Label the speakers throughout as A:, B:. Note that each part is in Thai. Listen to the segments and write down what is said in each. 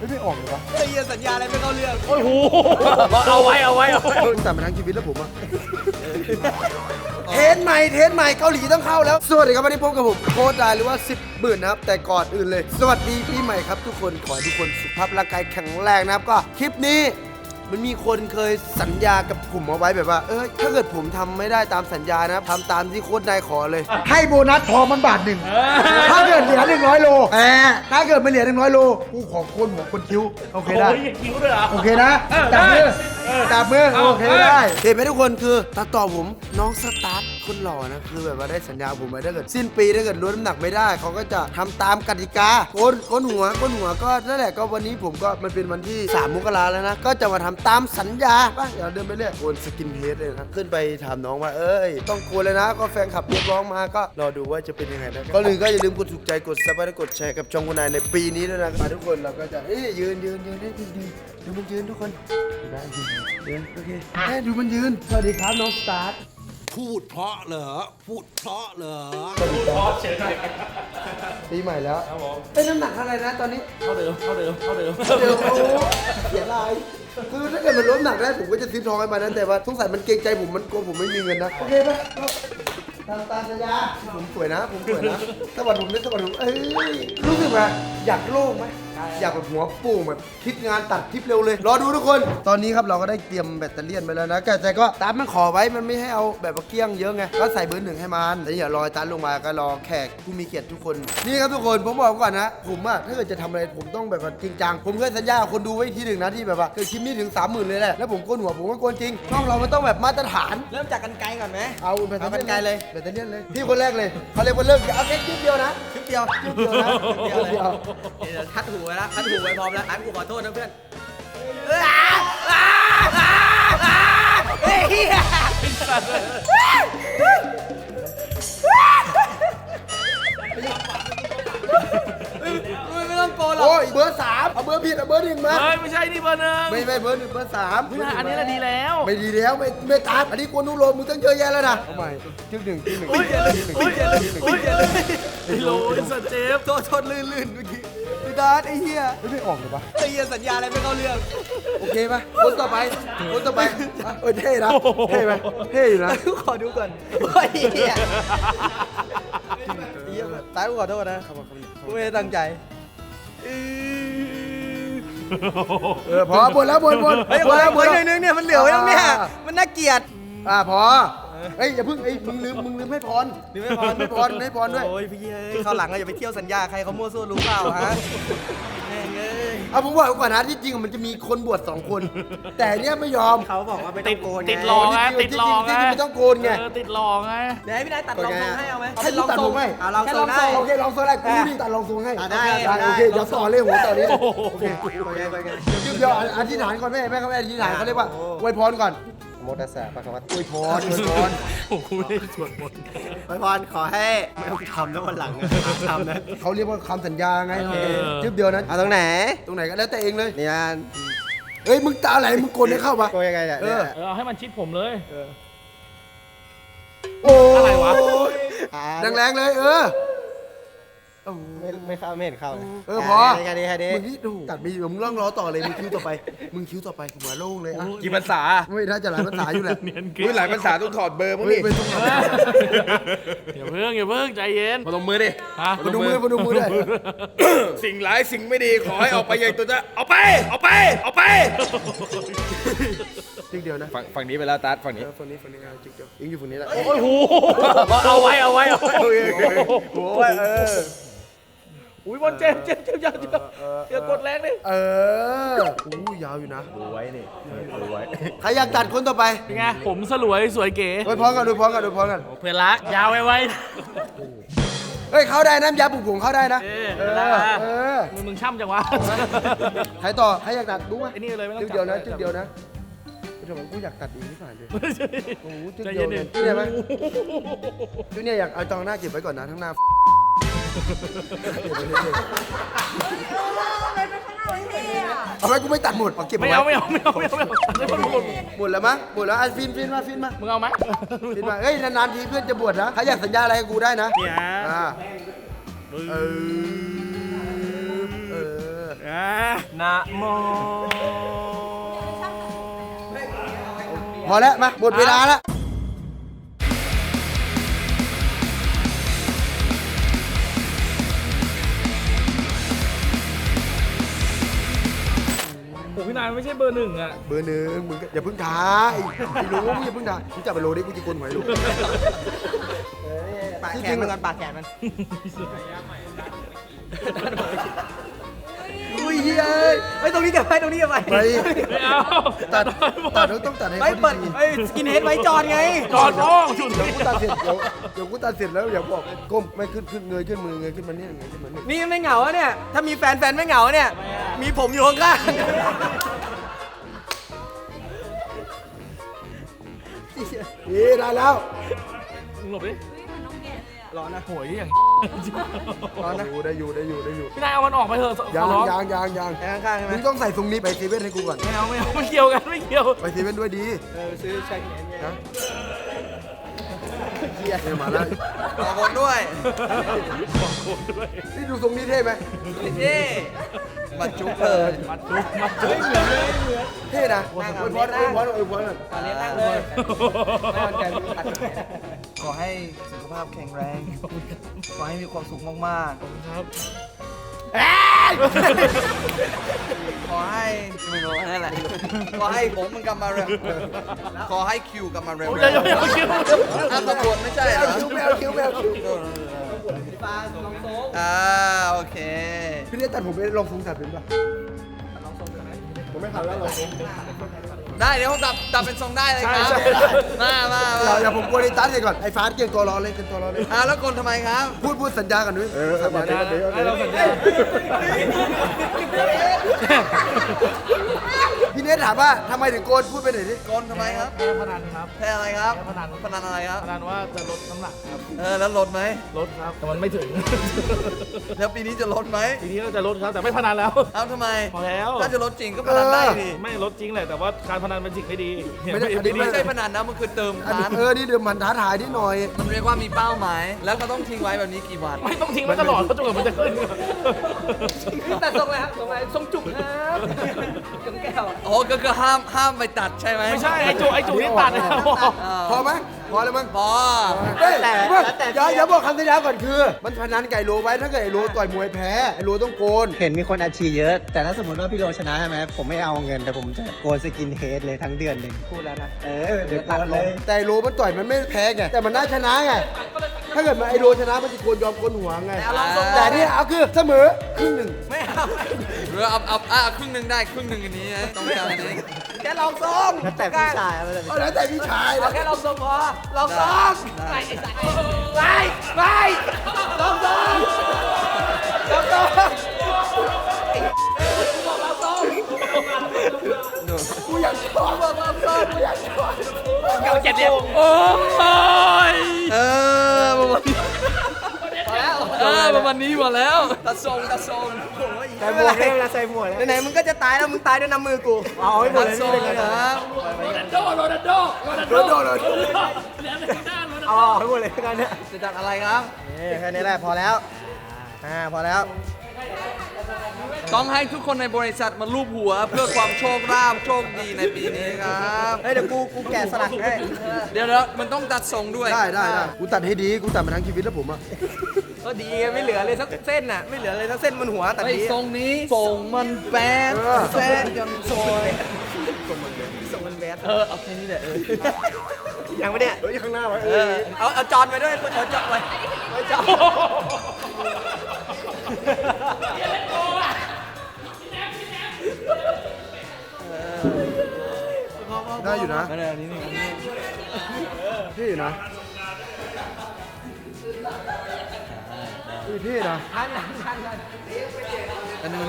A: ไม่ออกเลยวะ
B: ไอ้เหี้ยสัญญาอะไรไม่เข้าเรื่อง
C: โอ้โหเอาไว้
A: แต่มาทั้งชีวิตแล้วผมอะเทสใหม่เกาหลีต้องเข้าแล้วสวัสดีครับวันนี้พบกับผมโค้ชดายหรือว่า10 บื่นนะครับแต่ก่อนอื่นเลยสวัสดีปีใหม่ครับทุกคนขอให้ทุกคนสุขภาพร่างกายแข็งแรงนะครับก็คลิปนี้มันมีคนเคยสัญญากับผมเอาไว้แบบว่าถ้าเกิดผมทำไม่ได้ตามสัญญานะทำตามที่โค้ชนายขอเลยให้โบนัสทองมันบาทหนึ่งถ้าเกิดเหลือ100 โลถ้าเกิดไม่เหลือ100 โลกูขอโคนหัวคนคิ้วโอเคได้
C: คิ้วด้วยเหรอ
A: โอเคนะจับมือโอเคได้เห็นไหมทุกคนคือตัดต่อผมน้องสตาร์ทคนหล่อนะคือแบบว่าได้สัญญาผมไว้ถ้าเกิดสิ้นปีถ้าเกิดลดน้ำหนักไม่ได้เขาก็จะทำตามกติกาก้นหัวก็นั่นแหละก็วันนี้ผมก็มันเป็นวันที่3 มกราแล้วนะก็จะมาทำตามสัญญาป่ะเดี๋ยวเดินไปเรื่อยโกนสกินเฮดเลยนะขึ้นไปถามน้องว่าต้องโกนเลยนะก็แฟนคลับเรียกร้องมาก็รอดูว่าจะเป็นยังไงนะก็ลืมอย่าลืมกดถูกใจกดซับและกดแชร์กับช่องคุณนายในปีนี้ด้วยนะมาทุกคนเราก็จะยืนดูมันยืนทุกคนได้ยืนโอเคดูมันยืนสวัสดีครับน้องสตาร์ท
B: พูดเพราะเหรอพูดเพราะเหรอ
C: พอเฉยหน่อย
A: ปีใหม่แล้ว
C: ครับผม
A: น้ำหนักอะไรนะตอนนี้
C: เท่าเดิม
A: เดี๋ยวเสียลายคือถ้าเกิดมันลดน้ำหนักได้ผมก็จะซื้อทองให้มันนะแต่ว่าสงสัยมันเกรงใจผมมันกลัวผมไม่มีเงินนะโอเคปะตามสัญญาผมสวยนะสวัสดีผมรู้สึกว่าอยากโล่งไหมอยากแบบหัวโป่งแบบคิดงานตัดคลิปเร็วเลยรอดูทุกคน ตอนนี้ครับเราก็ได้เตรียมแบตเตอรี่ไปแล้วนะแต่ก็ตามมันขอไว้มันไม่ให้เอาแบบว่าเกี้ยงเยอะไงก็ใส่เบอร์ 1ให้มันแต่อย่ารอตันลงมาก็รอแขกผู้มีเกียรติทุกคนนี่ครับทุกคนผมบอกก่อนนะผมอะถ้าเกิดจะทำอะไรผมต้องแบบว่าจริงจังผมเคยสัญญากับคนดูไว้ทีหนึ่งนะที่แบบว่าเคยคลิปนี้ถึง 30,000เลยแหละแล้วผมโกนหัวผมก็โกนจริงช่องเรามันต้องแบบมาตรฐาน
B: เริ่มจากกันไกลก่อนไหม
A: เอาแบตเตอ
B: เอากันไกลเลย
A: แบตเตอรี่เลยพี่คนแรกเลยเขาเรียกว่าเลิกเอาแค่คลิปเดียวนะ
B: คลิปเดียว
A: คลิปเดียวนะ
B: เดียวเลยเดี๋ยวคัดหูไว้แล้วคัดหูไว้พร้อมแล้วอันกูขอโทษนะเพื่อนเฮ้ยไม่ต้องโกนหรอก
A: โอ้ยเบอร์ 3เอาเบอร์ผิดเอาเบอร์ 1มา
C: เฮ้ยไม่ใช่นี่เบอร์ 1
A: ไม่เบอร์ 1เบอร์ 3
C: ไม่ใช่อันนี้แหละดีแล้ว
A: ไม่ดีแล้วไม่ตามอันนี้กวนนุโรมมึงต้องเยอะแยะแล้วนะเอาใหม่คลิป 1
C: อุ้ยไอ้โลไอ้สัตว์เจฟ
B: โทษลื่นเมื่อกี้พี่ดาร์ไอ้เหี้ย
A: ไม่ออกเลยวะ
B: ไอ้เหี้ยสัญญาอะไรไม่เข้าเรื่อง
A: โอเคปะคนต่อไปเท่นะเท่ไหมเท่อยู่นะ
B: ขอดูก่อนโอ้ยเหี้ยตายกูขอโทษนะกูไม่ได้ตั้งใจ
A: พอบนแล้วบน
B: เฮ้ยบนนึงเนี่ยมันเหลือไว้ตรงเนี้ยมันน่าเกลียด
A: พอเฮ้ยอย่าเพิ่งมึงลืมให้พร
B: หรือไม่พอ
A: ให้พรด้วย
B: โอ้ยพี่เอ้ยเข้าหลังอะอย่าไปเที่ยวสัญญาใครเขามั่วซั่วรู้เปล่าฮะแม่งเอ้ย
A: เอาผมบอกก่อนนะที่จริงมันจะมีคนบวช2 คน แต่เนี้ยไม่ยอม
B: เขาบอกว่าไม่ต้องโกน
C: ติดหลอกไงติดหลอกไง
A: ไม่ต้องโกนไง
C: ติดหลอกไง
B: เดี๋ยวให้พี่นายตัดรองทรงให้เอาไหม
A: ให้กูตัดผมให้
B: ลองทรงได้
A: โอเคลองโซนได้กูนี่ตัดลองทรงให้
B: ได้
A: โอเคเดี๋ยวต่อเลยหัวต่อนี้เลยโอเค
B: ไปกัน
A: เดี๋ยวอธิษฐานก่อนแม่เขาไม่อธิษฐานเขาเรียกว่าอวยพรก่อน
B: โมตัสสะปะครับ
A: อวยพร
C: โอ้โหไม่ได้สวดมนต์
B: ไปพรขอให้ไม่ต้องทำนะวันหลังทำนะ
A: เขาเรียกว่าคำสัญญาไงคลิปเดียวนั้น
B: เอาตรงไหน
A: ตรงไหนก็แล้วแต่เองเลย
B: นี่อัน
A: เฮ้ยมึงตาไหลมึงโกนให้เข้ามา
B: โกยังไงเนี่ย
C: เอาให้มันชิดผมเลย
A: โอ้
C: อะไรวะ
A: แรงๆเลย
B: ไม่เข้าไม่เห็นเข้า
A: พอ
B: แค่นี้
A: มึงนี่ดูตัดมีมึงร่องล้อต่อเลยมึงคิ้วต่อไปหัวโล่งเลยอ่ะ
D: กี่ภาษา
A: ไม่น่าจะหลายภาษาอยู่แหละ
C: เนียนเกิ
D: อุ้ยหลายภาษาต้องถอดเบอร์มั้ง
A: เฮ้ย
D: ดิ
A: ไม่ต้องมา
C: อย่าเพิ่งใจเย็น
D: พนมมือดิ
C: ฮะ
A: มาดูมือด้วย
D: สิ่งร้ายสิ่งไม่ดีขอให้ออกไปอย่างตัวจะเอาไป
A: จิ๊กเดียวนะ
D: ฝั่งนี้ไปแล้วตัดฝั่งนี้
A: ฝั่งนี้จิ๊กเดียวยิงอยู่ฝั่งนี้แหละ
C: โอ้ยโหเอาไว้โอ้ยอุ้ยบอลเจ็บอย่ากดแรงดิ
A: ยาวอยู่นะ
D: ดูไว้นี่ดูไว้
A: ใครอยากตัดคนต่อไป
C: เป็นไงผมสลวยสวยเก๋
A: ดูพร้อมกัน
C: เพื่อนรักยาวไว้
A: เฮ้ยเข้าได้น้ำยาปลุกผงเข้าได้นะ
C: เวลามึงช่ำจังวะ
A: ใครต่อใครอยากตัดดูไหม
C: ไอ้นี่เลยไม่ต้อง
A: จิ๊กเดียวนะจิ๊กเดียวนะทำไมกูอยากตัดอีกนิดหน่อยเลยโอ้จิ๊กเดียวเนี่ยจิ๊กเนี่ยไหมจิ๊กเนี่ยอยากเอาจองหน้าเก็บไว้ก่อนนะทั้งหน้าเอาไว้กูไม่ตัดหมดเอาเก็บ
C: ไม่
A: ไว้
C: เอา
A: หมดแล้วมั้งหมดแล้วฟินมา
C: มึงเอาไหม
A: ฟินมาเฮ้ยนานๆทีเพื่อนจะบวชนะใครอยากสัญญาอะไรกับกูได้นะ
C: เนี่ย
A: เออ
C: นะโม
A: พอแล้วมาหมดเวลาแล้ว
C: โอ้พี่นายไม่ใช่เบอร์หนึ่งอ่ะ
A: เบอร์หนึ่งมึงก็อย่าเพิ่งท้าไม่รู้มึงอย่าเพิ่งท้ามึงจับไปโลดิกูจะกลนหอยลูก
B: ปากแขนมันก่อนปากแขนมัน
A: อุ้ยเฮ้ย
B: ไอ้ตรงนี้เก็บไปตรงนี้เก็บไป
A: ไป
C: ไม่เอา
A: ตัดต้องตัดให้
B: ไม่
A: เขา
B: เปิด
A: ดี
B: ไอ้สกินเฮดไว้จอดไง
C: จอดร้องชุด
A: ๆเดี๋ยวกูตัดเสร็จเดี๋ยวกูตัดเสร็จแล้วอย่าบอกก้มไม่ขึ้นเงยขึ้นมือเงยขึ้นมาเนี่ยเงยขึ้นมาเนี่ย
B: นี่ไม่เหงาอะเนี่ย ถ้ามีแฟนไม่เหงาเนี่ย มีผมอยู่ข้าง
A: นี่ได้แล้ว
C: มึงหลบดิ
B: ๆร้อนนะ
C: โหยอย่าง
B: ร้อนนะ
A: ได้อยู่
C: พี่นายเอามันออกไปเถอะ
A: ยั
C: ขอร้อง
A: ง
B: ไอ้ข้างๆใช่ไหม
A: มึงต้องใส่ทรงนี้ไปเซเว่นให้กูก่อน
C: ไม่เอาไม่เกี่ยวกันไม่เกี่ยว
A: ไปเซเว่นด้วยดี
B: ซื้อชาเขียนไง
A: นะเนี่ยมาแล้ว
B: ขอคนด้วย
A: นี่ดูทรงนี้เท่ไหม
B: เท่บัตรจุ๊บเลย
C: มัดจุ๊บเหมือนเลย
A: เท่นะอวยพรก่อน
B: ตอนนี้นั่งเลยไม่มันใจขอให้สุขภาพแข็งแรง ขอให้มีความสุขมาก
C: ครับ
B: ๆ ขอให้ไม่รู้นั่นแหละ ขอให้ผมมันกลับมาเร็ว ขอให้คิวกลับมาเร็ว
C: อย่าคิด
B: อ้าวตำรวจไม่ใช่เหรอ
A: แมวคิ้ว
B: โอเค
A: พี่เลี้ยตัดผมไปลองทรงตัดเป็นป่ะผมไม่ทันแล้วลองทรง
B: ได้เดี๋ยวผมดับเป็นทรงได้เลยครับ มา
A: อย่าผมกลัวในตัดเลยก่อนไอ้ฟ้าเก่งตัวร้อนเลยเก่งตัวร้อนเลย
B: แล้วกลทำไมครับ
A: พูดสัญญากันด้วยสัญญา
C: ให้เราสัญญา
A: พี่เนทถามว่าทำไมถึงโกนพูดไปหน่อยดิ
B: กลทำไมครับ
C: พนันครับ
B: แพ้อะไรครับ
C: พนัน
B: พนันอะไรครับ
C: พนันว่าจะลดน้ำหนักครับ
B: แล้วลดไหม
C: ลดครับแต่มันไม่ถึง
B: แล้วปีนี้จะลดไหม
C: ทีนี้ก็จะลดครับแต่ไม่พนันแล้ว
B: เอ้าทำไม
C: พอแล้ว
B: ถ้าจะลดจริงก็พนันได้ดิ
C: ไม่ลดจริงแหละแต่ว่าการพนันเป็นสิ่งไม่ดี
B: ไม่ใช่พนันนะมันคือเติม
A: อัน
B: ร้าน
A: นี้นี่เดี๋ยวมันท้าทายนิดหน่อย
B: มันเรียกว่ามีเป้าหมาย แล้วก็ต้องทิ้งไว้แบบนี้กี่วัน
C: ไม่ต้องทิ้งไว้ตลอดเพราะจนกว่ามันจะขึ้น
B: แต่ทรงอะไรครับทรงอะไรทรงจุกครับจงแก้วอ๋อก็คือห้ามไปตัดใช่ไหม
C: ไม่ใช่ไอ้จูนี่ตัดนะ
A: พอไหมพอเลยมั้ง
B: พอ
A: เฮ้ยอย่าบอกคำสัญญาก่อนคือ มันพนันไก่โลไว้ถ้าเกิดไอ้โลต่อยมวยแพ้ไอ้โลต้องโกน
E: เห็นมีคนอาชีพเยอะ แต่ถ้าสมมติว่าพี่โรชนะใช่ไหมผมไม่เอาเงิน แต่ผมจะโกนสกินเฮดเลยทั้งเดือนหนึ่ง
B: พูดแล้วนะ
E: เดี๋ยวโกนเลย
A: แต่ไอ้โลมันต่อยมันไม่แพ้ไงแต่มันน่าชนะไงถ้าเกิดมันไอ้โลชนะมันจะโกนยอมโกนหัวไงแต่นี่เอาคือเสมอครึ่งหนึ่ง
B: ไม่เอาหรือเอาครึ่งหนึ่งได้ครึ่งหนึ่งอันนี้นะต้องการอันนี้แค่ลองทรง
E: แล้วแต่พี่ชายเอาเลย
A: เอาแล้วแต่พี่ชาย
B: เอาแค่ลองทรงพอลองทรงไปลองทรงลองทรง
A: กูอยากชอบกูอยากชอบ
C: เก่าเจ็ดเนี่ยโอ้ย
B: ประมาณนี้หมดแล้วตัดทรง
E: ใส่หมวกเลยเวลาใส่หมวกเลย
B: ไหนๆมึงก็จะตายแล้วมึงตายด้วยน้ำมือกู
E: เอาให้หมด
B: ตัด
E: เลย
B: ทรง
E: นี่เลย
B: นะ
A: โดน
E: เอาให้หมดเลยกันเนี่ย
B: จะจัดอะไรครับ
E: แค่นี้แหละพอแล้วพอแล้ว
B: ต้องให้ทุกคนในบริษัทมาลูบหัวเพื่อความโชคราภโชคดีในปีนี้ครับ
E: เฮ้ยเดี๋ยวกูแกะสลักให้
B: เดี๋ยวมันต้องตัดทรงด้วย
A: ได้กูตัดให้ดีกูตัดมาทั้งชีวิตแล้วผมอะ
B: ก็ดีไม่เหลือเลยสักเส้นน่ะไม่เหลือเลยสักเส้นบนหัวตัดดีทรงนี้ทรงมันแบดแซนจนซอยทรงมันแบดเอาแค่นี้แหละ
E: ยังไม่เนี่ย
A: เฮ้ยข้างหน้าไว้
B: เอาจอนไปด้วยเอาจอนไปเอาจอน
A: ได้อยู่นะ
B: อะไรนี้นี่
A: เท่อยู่นะเท่นะ
B: อันนึง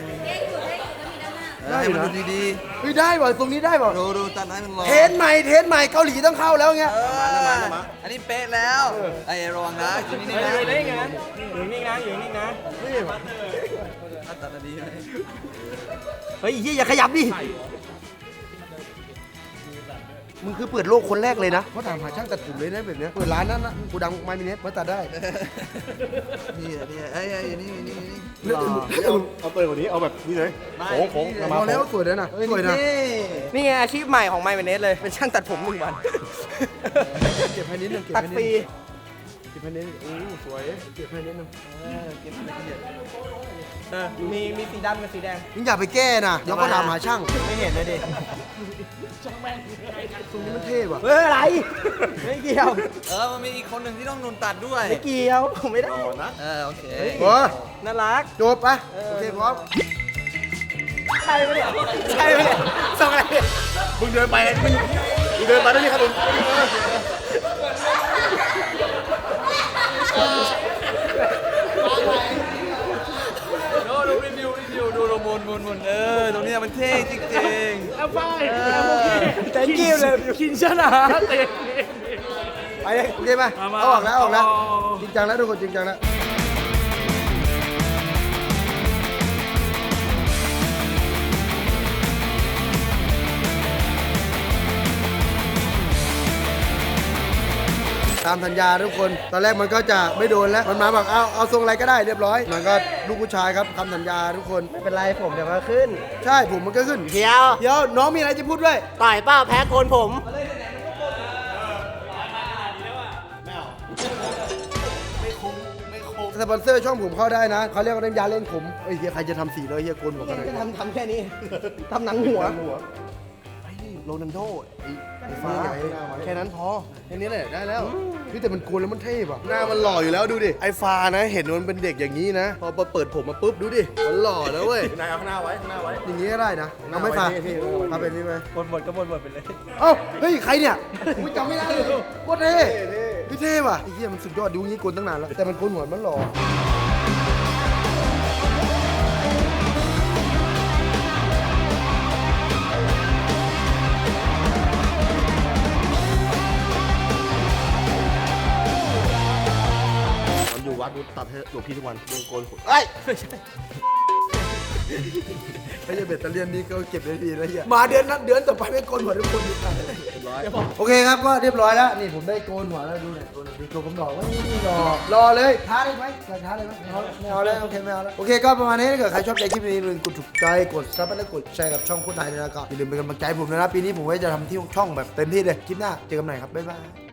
A: ได้อยู่นะ
B: ดี
A: เฮ้ยได้ว่ะตรงนี้ได้ว่ะ
B: ดูตัดให้มันรอ
A: เทสใหม่เกาหลีต้องเข้าแล้วเงี้ย
B: อันนี้เป๊ะแล้วไอ้ระวังนะอยู่นี่นะ
E: อยู่นี่นะ
A: นี่ว่ะ
B: ตัดดีเลย
E: เฮ้ยอย่าขยับดิ
A: มึงคือเปิดโลกคนแรกเลยนะเขาถามหาช่างตัดผมเลยนะแบบเนี้ยเปิดร้านนั้นนะกูดังไมมิเนสมาตัดได้
B: นี่ไอ้นี่
C: เอาเปิดกว่านี้เอาแบบนี้เลยโค้งๆ
A: พอแล้วสวยเลยนะสวยนะ
B: นี่ไงอาชีพใหม่ของไมค์เวเนสเลยเป็นช่างตัดผม1 วัน
A: เก็บให้นิดนึงเก็บ
B: ตัด
A: ให้นิด
B: ฟรี
A: นึงเก็บให้นิดนึงโอ้สวยเก็บให้นิดนึง
B: มีสีดำกับสีแดง
A: มึงอย่าไปแก้นะเดี๋ยวก็ถามหาช่าง
B: ไม่เห็นเลยดิ
A: ตรงนี้มันเท่ว่ะ
B: เฮ้ยอะไรไม่เกี่ยว
E: มันมีอีกคนหนึ่งที่ต้องโดนตัดด้วย
B: ไม่เกี่ยวผมไม่ได้
E: โอเค
A: โอ้
B: น่ารัก
A: จบไปโอเคพร้อม
B: ใช่ไหมเนี่ยใช่ไหมเนี่ยส่งอะไรเนี่ย
C: มึงเดินไปมึงเดินมาได้นี่ครับผม
E: ดูรีวิวดูโรมนตรงนี้มันเท่จริง
C: เอาไป
B: แต่กิ้วเลย
C: กินชนะเตะ
A: ไปเลยโอเคไหม
C: มา
A: เอาออกแล้วเอาออกแล้ว
C: เอา
A: จริงจังแล้วทุกคนจริงจังแล้วตามสัญญาทุกคนตอนแรกมันก็จะไม่โดนแล้วมันมาบอกเอาทรงอะไรก็ได้เรียบร้อยมันก็ลูกผู้ชายครับคำสัญญาทุกคน
B: ไม่เป็นไรผมเดี๋ยวก็ขึ้น
A: ใช่ผมมันก็ขึ้น
B: เดี๋ยว
A: เดี๋ยวน้องมีอะไรจะพูดด้วย
B: ต่อยเป้าแพ้โกนผม
A: สปอนเซอร์ช่องผมเข้าได้นะเขาเรียกว่าน้ำยาเล่นขมเฮ้ยเฮียใครจะทำสีเลยเฮียโกนหัวกันหน่อย
B: จะทำแค่นี้ทำหนังหัว
A: ไอ้นี่โรนัลโดไอ้ฟ้าแค่นั้นพอแค่นี้แหละได้แล้วพี่แต่มันโกนแล้วมันเท่ป่ะหน้ามันหล่ออยู่แล้วดูดิไอ้ฟ้านะเห็นมันเป็นเด็กอย่างนี้นะพอเปิดผมมาปุ๊บดูดิมันหล่อแล้วเว้ย
C: นายเอาข้างหน้าไว้ข้างหน้าไว้
A: อย่างนี้ก็ได้นะเอาไม่ฟ้าเอาเป็นนี่ไหม
B: หมดก็หมดไปเลย
A: เอ้าเฮ้ยใครเนี่ยกูจำไม่ได้เลยโคตรเท่พี่เท่ว่ะไอ้เหี้ยมันสุดยอดดูงี้โกนตั้งนานแล้วแต่มันโกนหัวมันหล่อ
C: มันอยู่วัดกูตัดให้หลวงพี่ทุกวันมึงโกนผม
A: ไอ้ไอ้เบ็ดตะเลียนนี่ก็เก็บได้ดีนะเฮียมาเดือนต่อไปไม่โกนหัวทุกคนดีกว่าโอเคครับก็เรียบร้อยแล้วนี่ผมได้โกนหัวแล้วดูหน่อยโกนหน่อยดูตัวผมหล่อว่านี่รอเลยท้าได้ไหมอยากท้าเลยไหมไม่เอาแล้วโอเคไม่เอาแล้วโอเคก็ประมาณนี้ถ้าเกิดใครชอบใจคลิปนี้อย่าลืมกดถูกใจกดซับและกดแชร์กับช่องโคตรไทยนะครับอย่าลืมเป็นกำลังใจให้ผมนะปีนี้ผมก็จะทำที่ช่องแบบเต็มที่เลยคลิปหน้าเจอกันใหม่ครับบ๊ายบาย